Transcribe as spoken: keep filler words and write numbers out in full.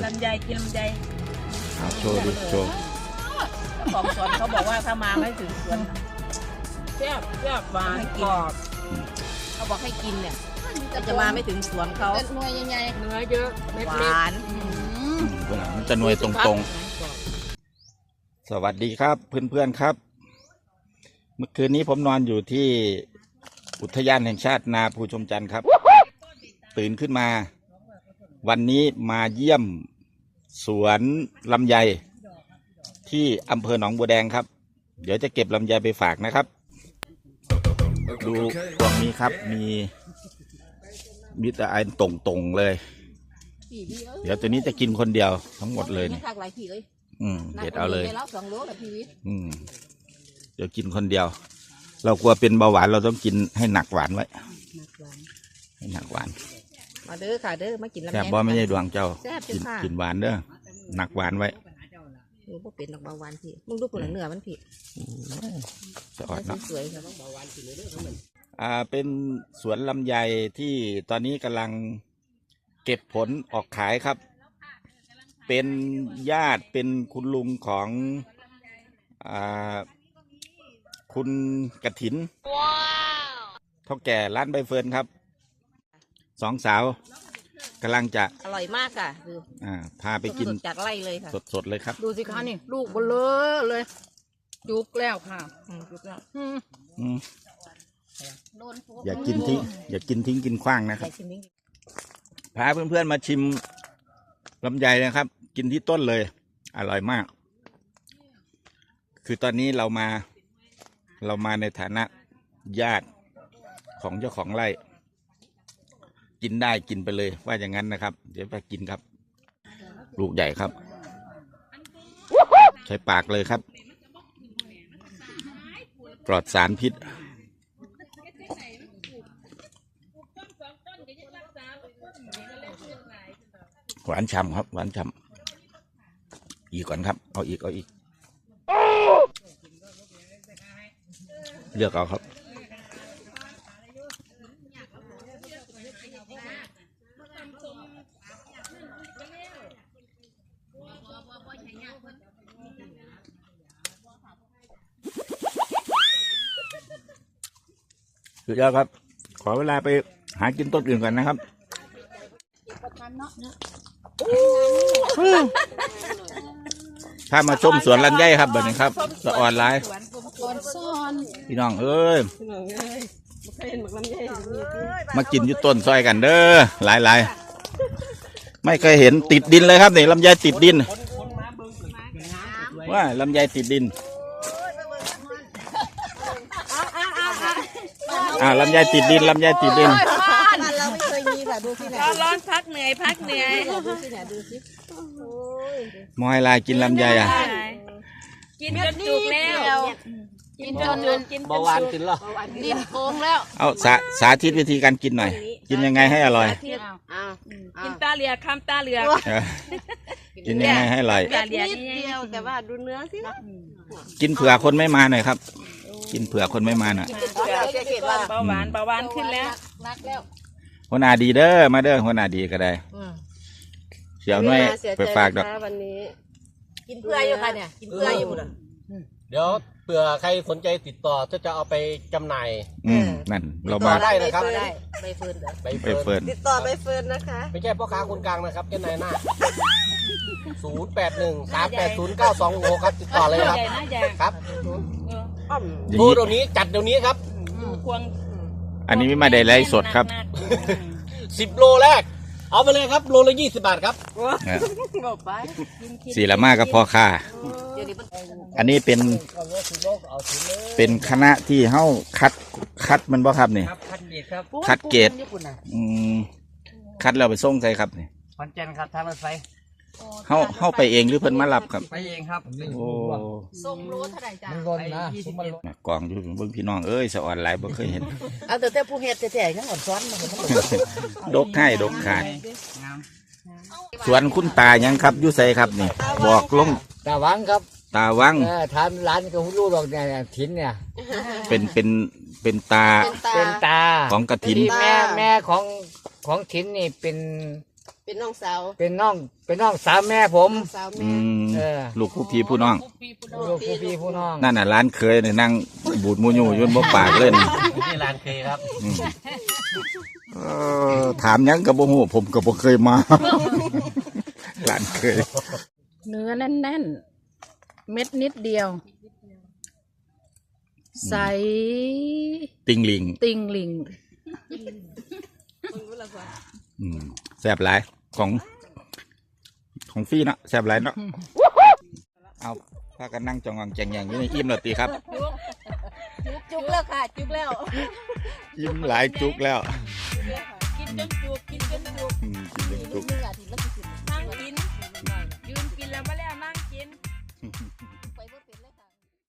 ลำไยกินลำไยโชว์ดิโชว์ของสวนเขาบอกว่าถ้ามาไม่ถึงสวนแซ่บแซ่บหวานกรอบเขาบอกให้กินเนี่ยจะมาไม่ถึงสวนเขาหน่วยใหญ่เนื้อเยอะหวานมันจะหน่วยตรงๆสวัสดีครับเพื่อนๆครับเมื่อคืนนี้ผมนอนอยู่ที่อุทยานแห่งชาตินาภูชมจันทร์ครับตื่นขึ้นมาวันนี้มาเยี่ยมสวนลำไยที่อำเภอหนองบัวแดงครับเดี๋ยวจะเก็บลำไยไปฝากนะครับดูตรงนี้ครับมีมีแต่อันตรงๆเลยเดี๋ยวตัวนี้จะกินคนเดียวทั้งหมดเลยนี่อืมเด็ดเอาเลยอืมเดี๋ยวกินคนเดียวเรากลัวเป็นเบาหวานเราต้องกินให้หนักหวานไว้ให้หนักหวานมาเด้อค่ะเด้อมากินลำไยแซ่บบ่ไม่ใช่ดวงเจ้ากินกินหวานเด้อหนักหวานไว้โอ้พวกเป็นดอกเบาหวานพี่มึงดูผลเนื้อมันพี่จะอดเนาะสวยๆครับเบาหวานกินเลยเด้อมันอ่าเป็นสวนลำไยที่ตอนนี้กำลังเก็บผลออกขายครับเป็นญาติเป็นคุณลุงของอ่าคุณกฐินเท่าแก่ร้านใบเฟิร์นครับสองสาวกำลังจะอร่อยมากค่ะดูอ่าพาไปกินจากไร่เลยค่ะสดๆเลยครับดูสิคะนี่ลูกเบลอเลยจุกแล้วค่ะจุกแล้วอย่ากินทิ้งอย่ากินทิ้งกินขว้างนะครับพาเพื่อนๆมาชิมลำไยนะครับกินที่ต้นเลยอร่อยมากคือตอนนี้เรามาเรามาในฐานะญาติของเจ้าของไร่กินได้กินไปเลยว่าอย่างนั้นนะครับเดี๋ยวไปกินครับลูกใหญ่ครับใช้ปากเลยครับปลอดสารพิษหวานฉ่ำครับหวานฉ่ำอีกก่อนครับเอาอีกเอาอีกเลือกเอาครับสุดยอดครับขอเวลาไปหากินต้นอื่นก่อนนะครับถ้ามาชมสวนลำไยครับแบบนี้ครับสะออนไลน์พี่น้องเอ้ยมากินอยู่ต้นซอยกันเด้อหลายหลายไม่เคยเห็นติดดินเลยครับนี่ลำไยติดดินว่าลำไยติดดินอ่าลำไยติดดินลำไยติดดินเราไม่เคยมีค่ะดูสิเนี่ยร้อนพักเหนื่อยพักเหนื่อยดูสิเนี่ยดูสิมอยลายกินลำไยอ่ะกินจนจุกแล้วกินจนกินเบาหวานกินหรอดินโกงแล้วเอาสาสาธิตวิธีการกินหน่อยกินยังไงให้อร่อยกินตาเหลือกคำตาเหลือกกินยังไงให้อร่อยนิดเดียวแต่ว่าดูเนื้อสิกินเผื่อคนไม่มาหน่อยครับกินเผื่อคนไม่มาหน่อยเบาหวานเบาหวานขึ้นแล้วหัวหน้าดีเด้อมาเด้อหัวหน้าดีก็ได้เสียวน้อยไปฝากดอกวันนี้กินเผื่ออยู่ค่ะเนี่ยกินเผื่ออยู่นะเดี๋ยวเผื่อใครสนใจติดต่อจะจะเอาไปจำหน่ายอืมนั่นเรามาได้นะครับใบเฟิร์นใบเฟิร์นติดต่อใบเฟิร์นนะคะไม่ใช่พ่อค้าคนกลางนะครับเจ้านายหน้าศูนย์แปดหนึ่งสามแปดศูนย์เก้าสองหกครับติดต่อเลยครับครับดูเดี๋ยวนี้จัดเดี๋ยวนี้ครับอันนี้ไม่มาได้ไลฟ์สดครับสิบโลแรกเอาไปเลยครับโลละยี่สิบบาทครับสี่ละมากกับพ่อค่าอันนี้เป็นเป็นคณะที่เฮ้าคัดคัดมันบ่ครับนี่คัดเกรดอืมคัดแล้วไปส่งใส่ครับนี่ขอนแก่นครับทางรถไฟเฮ้าเฮ้าไปเองหรือเพิ่นมารับครับไปเองครับโอ้ส่งโลเท่าไหร่จ้ะมันร้อนนะกองอยู่เบิ่งพี่น้องเอ้ยสะอ่อนหลายบ่เคยเห็นเอาแต่แต่ผู้เฮ็ดแต่แต่ยังอ่อนซ้อนมันดกให้ดกขาดสวนคุณตายังครับอยู่ไสครับนี่บอกลงตาวังครับตาวังทำร้านก็รู้หรอกเนี่ยถิ่นเนี่ยเป็นเป็นเป็นตาเป็นตาของกฐินแม่แม่ของของถิ่นนี่เป็นเป็นน้องสาวเป็นน้องเป็นน้องสาวแม่ผมน้องสาวอืแม่มเออลูกผู้พี่ผู้น้องลูกผู้พี่ผู้น้องนั่นน่ะร้านเคยเนี่ยนั่งบูดมูยูอยุ่นบ่ปากเล่นที่ร้านเคยครับอืมเออถามหยังกับบ่ฮู้ผมก็บ่เคยมา ร้านเคยเนื้อแน่นๆ เม็ดนิดเดียว ใสติงลิงติงลิงอืมแซ่บหลายของของฟรีเนาะแซ่บหลายเนาะเอาพากันนั่งจองงองแจงแยงอยู่ในอิ่มแล้วติครับจุกแล้วค่ะ จุกแล้วอิ่มหลายจุกแล้วกินจนจุกกินจนจุกอืมกินจนจุกนี่แหละที่เรา